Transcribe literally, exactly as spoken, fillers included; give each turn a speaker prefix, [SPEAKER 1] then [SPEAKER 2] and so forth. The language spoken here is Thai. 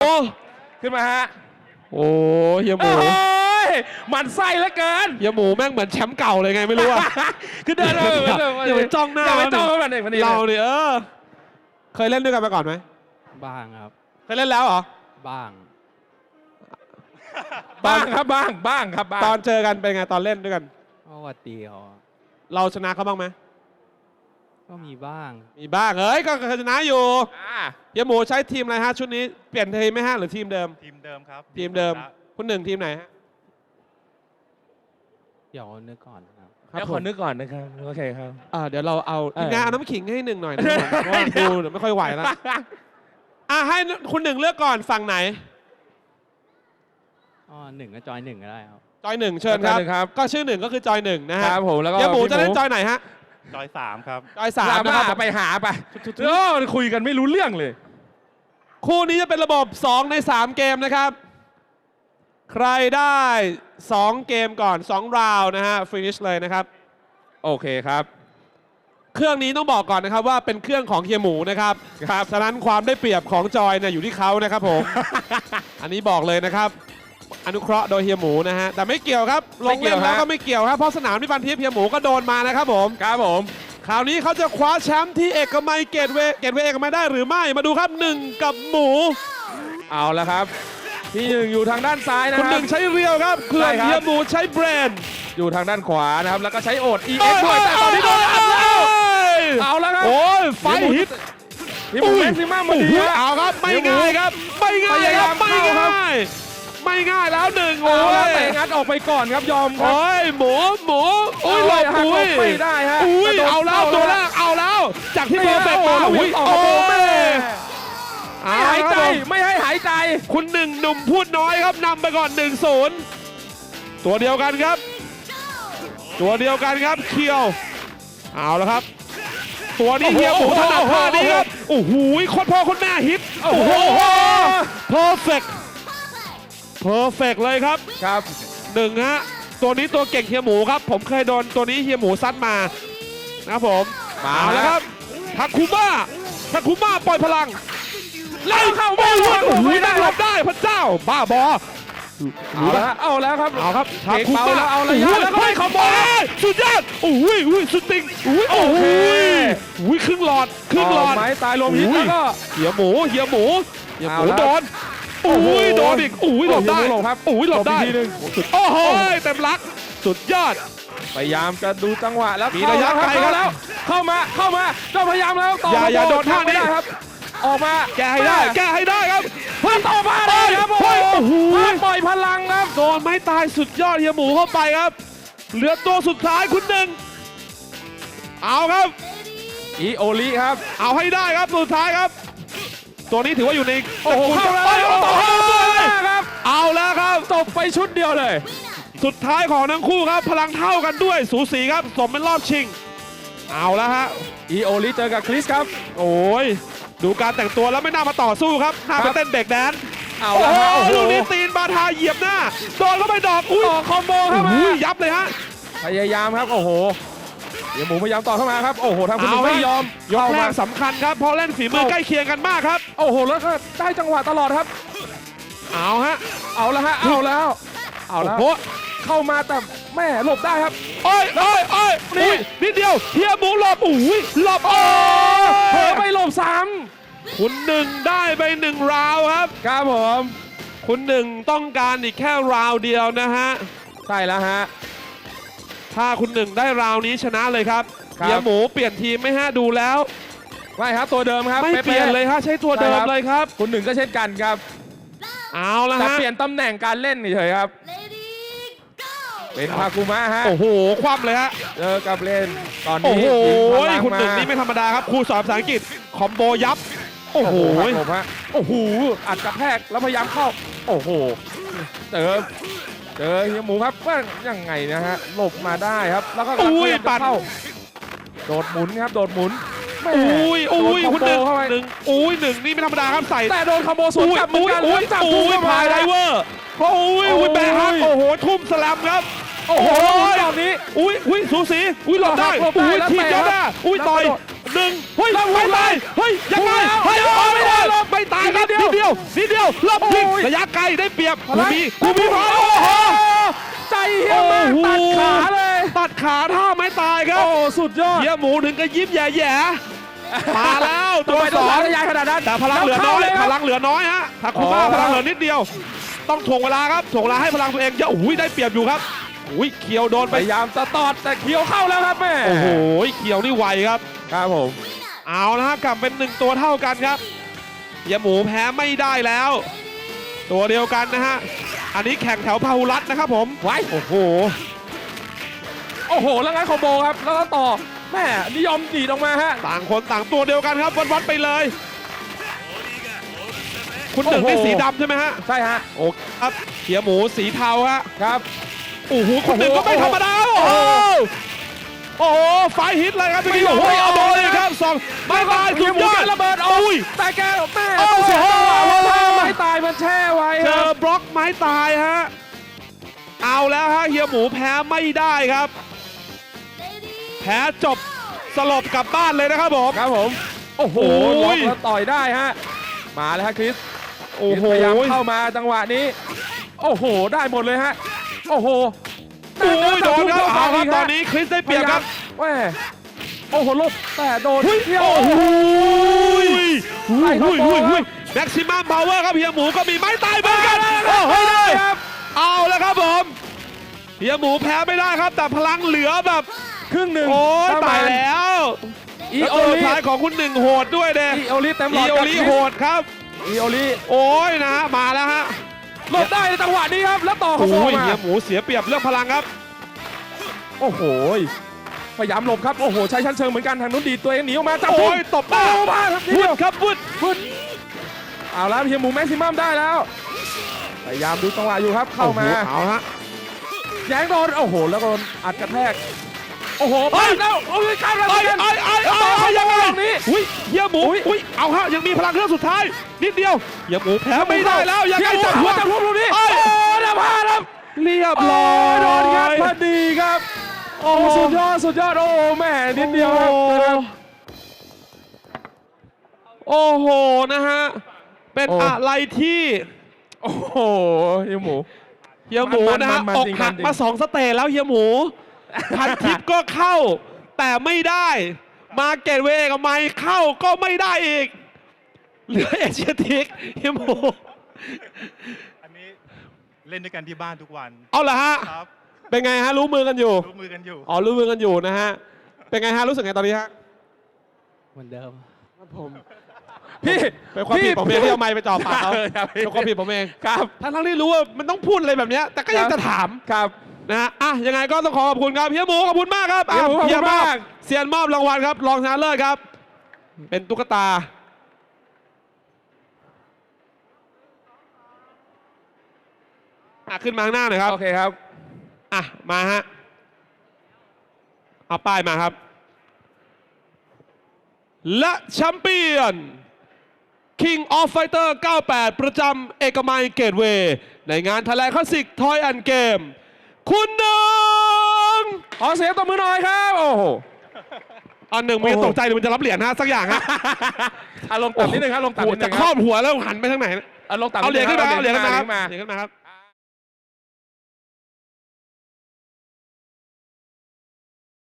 [SPEAKER 1] โอ้
[SPEAKER 2] ขึ้นมาฮะ
[SPEAKER 1] โอ้เฮียหมู
[SPEAKER 2] โอ้ยหมันไส้เหลือเกิน
[SPEAKER 1] เฮียหมูแม่งเหมือนแชมป์เก่าเลยไงไม่รู้อะ
[SPEAKER 2] คือเดินมาเหมือน
[SPEAKER 1] อย่าไปจ้องหน้า
[SPEAKER 2] อย่าไปจ้องมันเด็กมัน
[SPEAKER 1] เราเนี่ยเออเคยเล่นด้วยกันมาก่อนไหม
[SPEAKER 3] บ้างครับ
[SPEAKER 1] เคยเล่นแล้วเหรอ
[SPEAKER 3] บ้าง
[SPEAKER 2] บ้างครับบ้างบ้างครับบ้าง
[SPEAKER 1] ตอนเจอกันเป็นไงตอนเล่นด้วยกัน
[SPEAKER 3] ก็วัดดีเขา
[SPEAKER 1] เราชนะเขาบ้างไหม
[SPEAKER 3] ก็มีบ้าง
[SPEAKER 1] มีบ้างเฮ้ยก็เคยชนะอยู่
[SPEAKER 2] อ่า
[SPEAKER 1] เฮียหมูใช้ทีมอะไรฮะชุดนี้เปลี่ยนทีมไหมฮะหรือทีมเดิม
[SPEAKER 4] ทีมเดิมครับ
[SPEAKER 1] ทีมเดิมคุณหนึ่งทีมไหนฮะ
[SPEAKER 3] เดี๋ยวนึกก่อนครับ
[SPEAKER 2] เดี๋ยวขอนึกก่อนนะครับโอเคครับ
[SPEAKER 1] อ่าเดี๋ยวเราเอา
[SPEAKER 2] เออ
[SPEAKER 1] ทีมงานเอาน้ำขิงให้หนึ่งหน่อยนะครับเพราะว่าดูเดี๋ยวไม่ค่อยไหวแล้วอ่ะให้คุณหนึ่งเลือกก่อนฝั่งไหน
[SPEAKER 3] อ๋อหนึ่งก็จอยหนึ่งก็ได้ครับ
[SPEAKER 1] จอยหนึ่งเชิญครับ
[SPEAKER 2] จอยหนึ่งครับ
[SPEAKER 1] ก็ชื่อหนึ่งก็คือจอยหนึ่งนะฮะ
[SPEAKER 2] ครับผมแล้วก็
[SPEAKER 1] เฮียหมูจะเล่น
[SPEAKER 2] พี่
[SPEAKER 1] จอยไหนฮะ
[SPEAKER 4] จอยสามครับ
[SPEAKER 1] จอยสา
[SPEAKER 2] สาม ม
[SPEAKER 1] นะ
[SPEAKER 2] นะ
[SPEAKER 1] ค
[SPEAKER 2] ค
[SPEAKER 1] รั
[SPEAKER 2] รั
[SPEAKER 1] บบ
[SPEAKER 2] ไปหาไปโอ้คุยกันไม่รู้เรื่องเลย
[SPEAKER 1] คู่นี้จะเป็นระบบสองในสามเกมนะครับ ใครได้สองเกมก่อนสองราวนะฮะฟินิชเลยนะครับ
[SPEAKER 2] โอเคครับ
[SPEAKER 1] เครื่องนี้ต้องบอกก่อนนะครับว่าเป็นเครื่องของเฮียหมูนะครับ
[SPEAKER 2] ครับ
[SPEAKER 1] ฉะนั้นความได้เปรียบของจอยเนี่ยอยู่ที่เขานะครับผม อันนี้บอกเลยนะครับ อนุเคราะห์โดยเฮียหมูนะฮะแต่ไม่เกี่ยวครับล
[SPEAKER 2] ไม่
[SPEAKER 1] ง
[SPEAKER 2] เกี่
[SPEAKER 1] เล่
[SPEAKER 2] ยวน
[SPEAKER 1] แล้ว
[SPEAKER 2] ฮะ
[SPEAKER 1] ก็ไม่เกี่ยวครับเพราะสนามที่พันทิพย์เฮียหมูก็โดนมานะครับผม
[SPEAKER 2] ครับผม
[SPEAKER 1] คราวนี้เขาจะคว้าแชมป์ที่เอกมัยเกตเวย์เกตเวย์เอกมัยได้หรือไม่มาดูครับหนึ่งกับหมู
[SPEAKER 2] เอาละครับที่หนึ่งอยู่ทางด้านซ้ายนะ
[SPEAKER 1] คุณ
[SPEAKER 2] ค
[SPEAKER 1] ห
[SPEAKER 2] รั
[SPEAKER 1] นึ่
[SPEAKER 2] บ
[SPEAKER 1] งใช้เรียวครับเพื่อน
[SPEAKER 2] ใช่ครับ
[SPEAKER 1] เฮียหมูใช้เบรน
[SPEAKER 2] อยู่ทางด้านขวานะครับแล้วก็ใช้โอด อี เอ็กซ์ ด้วยแต่ตอนนี้โดนอัดแล้วเอาแล้วครับ
[SPEAKER 1] โอ้ยไฟฮิต
[SPEAKER 2] พี่หมูแม็กซิมัมมาดี
[SPEAKER 1] โอ้โห
[SPEAKER 2] ฮะ
[SPEAKER 1] เอาครับไม่ง่ายครับไม่ง่ายครับ
[SPEAKER 2] พ
[SPEAKER 1] ไม่
[SPEAKER 2] ยายามเข้าครับ
[SPEAKER 1] ง่ายไม่ง่ายแล้วหนึ่ง
[SPEAKER 2] โอ้
[SPEAKER 1] โอ้
[SPEAKER 2] แล้ว
[SPEAKER 1] ย
[SPEAKER 2] เตะงัดออกไปก่อนครับยอมครับ
[SPEAKER 1] โอ้ยหมูหมูโอ้ยหลบ
[SPEAKER 2] หัก
[SPEAKER 1] อุ้
[SPEAKER 2] หล
[SPEAKER 1] ย
[SPEAKER 2] บไม่ได้ฮะ
[SPEAKER 1] อุ้ย
[SPEAKER 2] แต่โดน
[SPEAKER 1] เอาแล้ว
[SPEAKER 2] เข้า
[SPEAKER 1] ตัวแร
[SPEAKER 2] ฮะ
[SPEAKER 1] กเอาแล้ว จากที่เพอร์เฟกต์
[SPEAKER 2] โอ้
[SPEAKER 1] มา
[SPEAKER 2] โห
[SPEAKER 1] อุ้ย
[SPEAKER 2] ออก
[SPEAKER 1] โอ้
[SPEAKER 2] มาแม่
[SPEAKER 1] ย
[SPEAKER 2] ไม่หายใจไม่ให้หายใจ
[SPEAKER 1] คุณหนึ่งหนุ่มพูดน้อยครับนำไปก่อนหนึ่งศูนย์ตัวเดียวกันครับ ตัวเดียวกันครับเคียวเอาแล้วครับ ตัวนี้เฮียหมูถนัดท่านี้ครับโอ้โหโคตรพ่อโคตรแม่ฮิตโอ้โหเพอร์เฟกต์เพอร์เฟกต์เลยครับ
[SPEAKER 2] ครับ
[SPEAKER 1] หนึ่งฮะตัวนี้ตัวเก่งเฮียหมูครับ ผมเคยโดนตัวนี้เฮียหมูซัดมานะครับผม
[SPEAKER 2] มา
[SPEAKER 1] เอาแล้วครับทักคุมาทักคุมาปล่อยพลัง
[SPEAKER 2] ไล่เข้า
[SPEAKER 1] โอ้
[SPEAKER 2] ไม่
[SPEAKER 1] โหโอ้โห
[SPEAKER 2] ไม่ได้
[SPEAKER 1] นั่งหลบได้พระเจ้าบ้าบอ
[SPEAKER 2] เอาแล้วฮะเอาแล้วครับ
[SPEAKER 1] เอาครับ
[SPEAKER 2] เทคเบาแล้วเอาระยะแล้วก็ให้คอมโบ
[SPEAKER 1] สุดยอดโอ้ยอุ้ยสุดติงอุ้ยโอ้
[SPEAKER 2] โอเค
[SPEAKER 1] ยอุ้ยครึ่งหลอดครึ่งหลอด
[SPEAKER 2] ไม้ตายลมฮิตแล้วก็
[SPEAKER 1] เฮียหมูเฮียหมูเฮียหมู
[SPEAKER 2] เอาละ
[SPEAKER 1] โดน
[SPEAKER 2] โอ้โห
[SPEAKER 1] อุ้ยโดนอีกอุ้ยหลบได้
[SPEAKER 2] เฮียหมูหลบครับ
[SPEAKER 1] อุ้ยหลบได้
[SPEAKER 2] หลบอีกทีหนึ่ง
[SPEAKER 1] โอ้โหเต็มลักสุดยอด
[SPEAKER 2] พยายามจะดูจังหวะแล้ว
[SPEAKER 1] มีระยะ
[SPEAKER 2] เข้า
[SPEAKER 1] ไกลครับ
[SPEAKER 2] แล้วเข้ามาเข้ามาเจ้าพยายามแล้วต่อ
[SPEAKER 1] อย่าอย่าโดนท่านี้
[SPEAKER 2] ไม่ได้ครับ ออกมา
[SPEAKER 1] แก้ให้ได้แก้ให้ได้ครับ
[SPEAKER 2] เพื่อต่อมาได้ครับ
[SPEAKER 1] เฮ้ย
[SPEAKER 2] โอ้
[SPEAKER 1] โอ้โห
[SPEAKER 2] โหปล่อยพลังครับ
[SPEAKER 1] โดนไม้ตายสุดยอดเฮียหมูเข้าไปครับ เหลือตัวสุดท้ายคุณหนึ่งเอาครับ
[SPEAKER 2] อีโอลิครับ
[SPEAKER 1] เอาให้ได้ครับสุดท้ายครับ ตัวนี้ถือว่าอยู่ใน
[SPEAKER 2] โอ้โหเข้าแล้ว
[SPEAKER 1] อ้ย
[SPEAKER 2] ต่อ
[SPEAKER 1] โอ้
[SPEAKER 2] เข้า
[SPEAKER 1] โห
[SPEAKER 2] ด้วยนะครับ
[SPEAKER 1] เอาแล้วครับ
[SPEAKER 2] จบไปชุดเดียวเลย
[SPEAKER 1] สุดท้ายของทั้งคู่ครับ พลังเท่ากันด้วยสูสีครับ สมเป็นรอบชิง เอาแล้วฮะ
[SPEAKER 2] อีโอลิเจอกับคริสครับ
[SPEAKER 1] โอ้ยดูการแต่งตัวแล้วไม่น่ามาต่อสู้ครับน่า
[SPEAKER 2] ครั
[SPEAKER 1] ไป
[SPEAKER 2] บ
[SPEAKER 1] เต้นเบรกแดนซ์
[SPEAKER 2] เอา
[SPEAKER 1] โอ้
[SPEAKER 2] แล้ว
[SPEAKER 1] โห
[SPEAKER 2] ฮะโอ้โห
[SPEAKER 1] ลูกนี้ตีนบาทาเหยียบหน้าโดนเข้าไปดอกอุ้ย
[SPEAKER 2] ต่อคอมโบเข้ามา
[SPEAKER 1] อุ้ยยับเลยฮะ
[SPEAKER 2] พยายามครับโอ้โหเดี๋ยวหมูพยายามต่อเข้ามาครับโอ้โหทางคุณหนึ่ง
[SPEAKER 1] เอาฮะ
[SPEAKER 2] ไม่ยอม
[SPEAKER 1] ยก
[SPEAKER 2] เข้า
[SPEAKER 1] แร
[SPEAKER 2] มาก
[SPEAKER 1] สำคัญครับเพราะเล่นฝีมือใกล้เคียงกันมากครับ
[SPEAKER 2] โอ้โหแล้วก็ได้จังหวะตลอดครับ
[SPEAKER 1] เอาฮะ
[SPEAKER 2] เอาแล้วฮะเอาแล้วเอาแล้ว
[SPEAKER 1] โอ้โห
[SPEAKER 2] เข้ามาแต่แม่หลบได้ครับ
[SPEAKER 1] โอ้ยโอ้ยโอ้ย
[SPEAKER 2] นี่
[SPEAKER 1] อุ้ยนิดเดียวเฮียหมูหลบอุ้ยหลบโอ้
[SPEAKER 2] เผลอไปหลบซ้
[SPEAKER 1] คุณหนึ่งได้ไปหนึ่งราวครับ
[SPEAKER 2] ำครับผม
[SPEAKER 1] คุณหนึ่งต้องการอีกแค่ราวเดียวนะฮะ
[SPEAKER 2] ใช่แล้วฮะ
[SPEAKER 1] ถ้าคุณหนึ่งได้ราวนี้ชนะเลยครับ
[SPEAKER 2] ครับ
[SPEAKER 1] เฮียหมูเปลี่ยนทีมไหมฮะดูแล้ว
[SPEAKER 2] ไม่ครับตัวเดิมครับ
[SPEAKER 1] ไม่เปลี่ยนเลยฮะใช้ตัวเดิมเลยครับ
[SPEAKER 2] คุณหนึ่งก็เช่นกันครับ
[SPEAKER 1] เอาละ
[SPEAKER 2] แต่
[SPEAKER 1] ฮะ
[SPEAKER 2] เปลี่ยนตำแหน่งการเล่นเฉยๆครับ เป็นพาคุมะฮะ
[SPEAKER 1] โอ้โหคว่ำเลยฮะ
[SPEAKER 2] เจอกับเล่นตอน
[SPEAKER 1] โอ้
[SPEAKER 2] นี้
[SPEAKER 1] โห
[SPEAKER 2] ยิงพลัง
[SPEAKER 1] คุณหนึ่ง
[SPEAKER 2] มา
[SPEAKER 1] นี่ไม่ธรรมดาครับครูสอนภาษาอังกฤษคอมโบยับโอ้โห
[SPEAKER 2] ครับผมฮะโอ้โหอัดกระแทกแล้วพยายามเข้าโอ้โหเจอเจอเฮียหมูครับว่ายังไงนะฮะหลบมาได้ครับแล้วก็
[SPEAKER 1] อุ้ย
[SPEAKER 2] พาามจะ
[SPEAKER 1] ปั่น
[SPEAKER 2] เข้าโดดหมุนครับโดดหมุนแม่
[SPEAKER 1] อุ้ยอุ้ย
[SPEAKER 2] โดน
[SPEAKER 1] คุณหนึ่ง
[SPEAKER 2] คอมโบเข้าไป
[SPEAKER 1] หนึ่งอุ้ยหนึ่งนี่ไม่ธรรมดาครับใส่
[SPEAKER 2] แต่โดนคอมโบสวน
[SPEAKER 1] อุ้ย
[SPEAKER 2] กลับเหมือ
[SPEAKER 1] อุ้
[SPEAKER 2] น
[SPEAKER 1] ย
[SPEAKER 2] กัน
[SPEAKER 1] อุ้ย
[SPEAKER 2] แล้วจับ
[SPEAKER 1] อุ้ยพายไดเวอร์โอ้ยอุ้ยแบกฮักโอ้โหทุ่มสแลมครับ
[SPEAKER 2] โอ้โหตอนนี้
[SPEAKER 1] อุ้ยอุ้ยสูสีอุ้ยหลบได้
[SPEAKER 2] หลบได้
[SPEAKER 1] อุ้ย
[SPEAKER 2] แล้ว
[SPEAKER 1] ทีม
[SPEAKER 2] เตะ
[SPEAKER 1] ยอดหน้าอุ้ย
[SPEAKER 2] แล้ว
[SPEAKER 1] ต่อย
[SPEAKER 2] กระโดด
[SPEAKER 1] หนึ่งเฮ้ยไม่ตายเฮ้ยยังไง
[SPEAKER 2] แล้ว
[SPEAKER 1] เฮ้ย
[SPEAKER 2] เดี๋ยว
[SPEAKER 1] เอาไม่ได้
[SPEAKER 2] ไม่ได้
[SPEAKER 1] ไม่ตายครับ
[SPEAKER 2] นิ
[SPEAKER 1] นิ
[SPEAKER 2] ด
[SPEAKER 1] ด
[SPEAKER 2] เดี
[SPEAKER 1] เดี
[SPEAKER 2] ย
[SPEAKER 1] ยว วนิดเดียวรอบยิง
[SPEAKER 2] โอ้ย
[SPEAKER 1] ระยะไกลได้เปรียบ
[SPEAKER 2] อะไร
[SPEAKER 1] กูมีกูมีพา
[SPEAKER 2] โอ้
[SPEAKER 1] โอ้
[SPEAKER 2] โห
[SPEAKER 1] โห
[SPEAKER 2] ใจเฮียมาก
[SPEAKER 1] โอ้โห
[SPEAKER 2] ตัดขาเลย
[SPEAKER 1] ตัดขาท่าไม่ตายครับ
[SPEAKER 2] โอ้สุดยอด
[SPEAKER 1] เฮียหมูถึงกับยิ้มแย่ๆมาแล้วตัว
[SPEAKER 2] ทำไม
[SPEAKER 1] ส
[SPEAKER 2] ต้
[SPEAKER 1] อง
[SPEAKER 2] ทะยานขนาดนั้น
[SPEAKER 1] แต่พลังเหลือน้อย
[SPEAKER 2] แว
[SPEAKER 1] พ
[SPEAKER 2] ข้า
[SPEAKER 1] ลังเหลือน้อยฮะทาคุมา
[SPEAKER 2] อ๋อ
[SPEAKER 1] พลังเหลือนิดเดียว ต้องถ่วงเวลาครับถ่วงเวลาให้พลังตัวเองเยอะอุ้ยได้เปรียบอยู่ครับอุ้ยเขียวโดน
[SPEAKER 2] พ
[SPEAKER 1] ไป
[SPEAKER 2] ยายามจะตอดแต่เขียวเข้าแล้วครับแม่
[SPEAKER 1] โอ้โหเขียวนี่ไวครับ
[SPEAKER 2] ครับผม
[SPEAKER 1] เอาละฮะกลับเป็นหนึ่งตัวเท่ากันครับเฮียหมูแพ้ไม่ได้แล้ว ตัวเดียวกันนะฮะอันนี้แข่งแถวพาหุรัตน์นะครับผม
[SPEAKER 2] ไว้
[SPEAKER 1] โอ้โห
[SPEAKER 2] โอ้โหแล้วงั้นคอมโบครับแล้วก็ต่อแม่นิยมดีดออกมาฮะ
[SPEAKER 1] ต่างคนต่างตัวเดียวกันครับวัดๆไปเลย คุณหนึ่ง
[SPEAKER 2] โอ้
[SPEAKER 1] นี่
[SPEAKER 2] โห
[SPEAKER 1] สีดำใช่ไหมฮะ
[SPEAKER 2] ใช่ฮะ
[SPEAKER 1] โอ้ครับเฮียหมูสีเทาฮะ
[SPEAKER 2] ครับ
[SPEAKER 1] โอ้โหคนหนึ่งก็ไม่ธรรมดาโอ้โหโอ้โหไฟฮิตเลยครับพี่
[SPEAKER 2] ไม่
[SPEAKER 1] โอ้โห
[SPEAKER 2] ไม่
[SPEAKER 1] เอาบอลเลย
[SPEAKER 2] ไม่
[SPEAKER 1] ครับสองไม่ตายสุดยอด
[SPEAKER 2] ระเบิดออก
[SPEAKER 1] อุ้ย
[SPEAKER 2] แต่แกแม่
[SPEAKER 1] โอ้
[SPEAKER 2] ต้อง
[SPEAKER 1] โห
[SPEAKER 2] เสียจังหวะเพราะว่าไม้ตายมันแช่ไว้
[SPEAKER 1] เจ
[SPEAKER 2] ค
[SPEAKER 1] อ
[SPEAKER 2] รับบ
[SPEAKER 1] ล็อกไม้ตายฮะเอาแล้วฮะเฮียหมูแพ้ไม่ได้ครับ แพ้จบสลบกลับบ้านเลยนะครับผม
[SPEAKER 2] ครับผมโอ้โห
[SPEAKER 1] โอ้
[SPEAKER 2] ล็อก
[SPEAKER 1] ย
[SPEAKER 2] แล้วต่อยได้ฮะมาแล้วฮะคริส
[SPEAKER 1] โอ้โห
[SPEAKER 2] พยายามเข้ามาจังหวะนี้ โอ้โห ได้หมดเลยฮะ โอ้โห
[SPEAKER 1] โอ้ยโดนครับ
[SPEAKER 2] เข้า
[SPEAKER 1] เอา
[SPEAKER 2] ไป
[SPEAKER 1] ครับ
[SPEAKER 2] ก
[SPEAKER 1] ต
[SPEAKER 2] ฮะ
[SPEAKER 1] อนนี้คริสได้เปรียบครับ
[SPEAKER 2] แม่โอ้โหลบแต่โดน
[SPEAKER 1] เฮ้ย
[SPEAKER 2] เที่ยว
[SPEAKER 1] โอ้โห
[SPEAKER 2] ไล่เข้าโกงครับ
[SPEAKER 1] แม็กซิมัมพาวเวอร์ครับเฮียหมูก็มีไม้ตายเหมือนกันโอ้โห
[SPEAKER 2] ไม่ได้ครับ
[SPEAKER 1] เอาแล้วครับผมเฮียหมูแพ้ไม่ได้ครับ แต่พลังเหลือแบบ
[SPEAKER 2] ครึ่งหนึ่ง
[SPEAKER 1] โอ้ย
[SPEAKER 2] ประม
[SPEAKER 1] ตา
[SPEAKER 2] ณ
[SPEAKER 1] ยแล้ว
[SPEAKER 2] อี
[SPEAKER 1] แล้ว
[SPEAKER 2] โอ
[SPEAKER 1] ตัวสุ
[SPEAKER 2] ลิ
[SPEAKER 1] ดท้ายของคุณหนึ่งโหดด้วยเด้
[SPEAKER 2] อีโอลิเต็มหล
[SPEAKER 1] อี
[SPEAKER 2] อด
[SPEAKER 1] โอ
[SPEAKER 2] กับ
[SPEAKER 1] ลิ
[SPEAKER 2] คริส
[SPEAKER 1] โหดครับ
[SPEAKER 2] อีโอลิ
[SPEAKER 1] โอ้ยนะฮะมาแล้วฮะ
[SPEAKER 2] หลบได้ในจังหวะนี้ครับ แล้วต่อเขา
[SPEAKER 1] โอ้
[SPEAKER 2] โม
[SPEAKER 1] ย
[SPEAKER 2] มา
[SPEAKER 1] เฮียหมูเสียเปรียบเรื่องพลังครับ
[SPEAKER 2] โอ้โห พยายามหลบครับ โอ้โห ใช้ชั้นเชิงเหมือนกัน ทางนู้นดีดตัวเองหนีออกมาจับ
[SPEAKER 1] โอ้ยตบ
[SPEAKER 2] บ้า
[SPEAKER 1] บ้า
[SPEAKER 2] บ้าครับที
[SPEAKER 1] วุ
[SPEAKER 2] เดี
[SPEAKER 1] ด
[SPEAKER 2] ยว
[SPEAKER 1] ครับวุด
[SPEAKER 2] พุดเอาแล้วเฮียหมูแม็กซิมัมได้แล้ว พยายามดูจังหวะอยู่ครับ เข้ามา
[SPEAKER 1] โอ้โหเอาฮะ
[SPEAKER 2] แย้งโดน โอ้โห แล้วโดนอัดกระแทก โอ้โห
[SPEAKER 1] เฮ้
[SPEAKER 2] ปาย ดแล้วโอ้ยข้ามแล้ว
[SPEAKER 1] ไอ้
[SPEAKER 2] เหมือนกัน
[SPEAKER 1] ไอ้ไอ้
[SPEAKER 2] แล้ว
[SPEAKER 1] ไอ้
[SPEAKER 2] ต่อ
[SPEAKER 1] ไอ้
[SPEAKER 2] เขา
[SPEAKER 1] ยังไง
[SPEAKER 2] ตรงนี้
[SPEAKER 1] อุ้ยเฮียหมู
[SPEAKER 2] อุ๊ย
[SPEAKER 1] อุ้ยเอาฮะยังมีพลังเครื่องสุดท้ายนิดเดียวเฮียหมูแพ้ไม่ได้แล้วยังไง
[SPEAKER 2] เฮี
[SPEAKER 1] จั
[SPEAKER 2] ย
[SPEAKER 1] บ
[SPEAKER 2] หมู
[SPEAKER 1] หัว
[SPEAKER 2] จับหัวลูกนี้
[SPEAKER 1] เอ้
[SPEAKER 2] โอ้
[SPEAKER 1] ย
[SPEAKER 2] ยได้พลาดครับ
[SPEAKER 1] เรียบ
[SPEAKER 2] โอ้
[SPEAKER 1] ร้อย
[SPEAKER 2] ยโดนครับพอดีครับ โอ้สุดยอด สุดยอด โอ้แม่นิดเดียวครับ
[SPEAKER 1] โอ้โหนะฮะเป็น
[SPEAKER 2] โอ้
[SPEAKER 1] อะไรที่
[SPEAKER 2] โอ้โหเฮียหมู
[SPEAKER 1] เฮียหมูนะฮะ
[SPEAKER 2] มันๆๆ
[SPEAKER 1] อ
[SPEAKER 2] จ
[SPEAKER 1] ก
[SPEAKER 2] ริง
[SPEAKER 1] หัก
[SPEAKER 2] มันจริง
[SPEAKER 1] มาสองสเตจแล้วเฮียหมูพันทิปก็เข้า แต่ไม่ได้มาเกตเวย์กับไมค์เข้าก็ไม่ได้อีกเหลือเอเชียทิกเฮียหมู
[SPEAKER 4] อันนี้เล่นด้วยกันที่บ้านทุกวัน
[SPEAKER 1] เอาละฮะ
[SPEAKER 4] ครับ
[SPEAKER 1] เป็นไงฮะรู้มือกันอยู่
[SPEAKER 4] รู้มือกันอยู่
[SPEAKER 1] อ๋อรู้มือกันอยู่นะฮะเป็นไงฮะรู้สึกไงตอนนี้ฮะ
[SPEAKER 3] เหมือนเดิม
[SPEAKER 1] ครับผม
[SPEAKER 2] พี่
[SPEAKER 1] เป็นความผิดผมเองที่เอาไมค์ไปจ่อปากเขา
[SPEAKER 2] ครับพี่
[SPEAKER 1] เป็นความผิดผมเอง
[SPEAKER 2] ครับ
[SPEAKER 1] ทั้งๆที่รู้ว่ามันต้องพูดอะไรแบบเนี้ยแต่ก็ยังจะถาม
[SPEAKER 2] ครับ
[SPEAKER 1] นะฮะอ่ะยังไงก็ต้องขอขอบคุณครับเฮียหมูขอบคุณมากครับ
[SPEAKER 2] เฮียหมูขอบคุณ
[SPEAKER 1] เฮีย
[SPEAKER 2] มาก
[SPEAKER 1] เซียนมอบรางวัลครับรองชนะเลิศครับ เป็นตุ๊กตาอ่ะขึ้นมาข้างหน้าหน่อยครับ
[SPEAKER 2] โอเคครับ
[SPEAKER 1] อ่ะมาฮะเอาป้ายมาครับ และแชมเปี้ยน King of Fighter เก้าสิบแปด ประจำเอกมัยเกตเวย์ในงานไทยแลนด์คลาสสิกทอยแอนด์เกมคุณหนึ่ง
[SPEAKER 2] ขอเสียงตบมือหน่อยครับ โอ้โห
[SPEAKER 1] อันหนึ่งมันจะตกใจหรือมันจะรับเหรียญฮะสักอย่างฮะ
[SPEAKER 2] อารมณ์ต่ำนิดนึงครับอารมณ์ต่ำ
[SPEAKER 1] โอ้
[SPEAKER 2] นิดนึ
[SPEAKER 1] จะ
[SPEAKER 2] ง
[SPEAKER 1] ครอบหัวแล้วหันไปทางไหน
[SPEAKER 2] อารมณ์ต่ำ
[SPEAKER 1] เอาเหรียญขึ้นมาเอาเหรียญขึ้นมาครับ
[SPEAKER 2] มา
[SPEAKER 1] เหรียญขึ้นมาครับ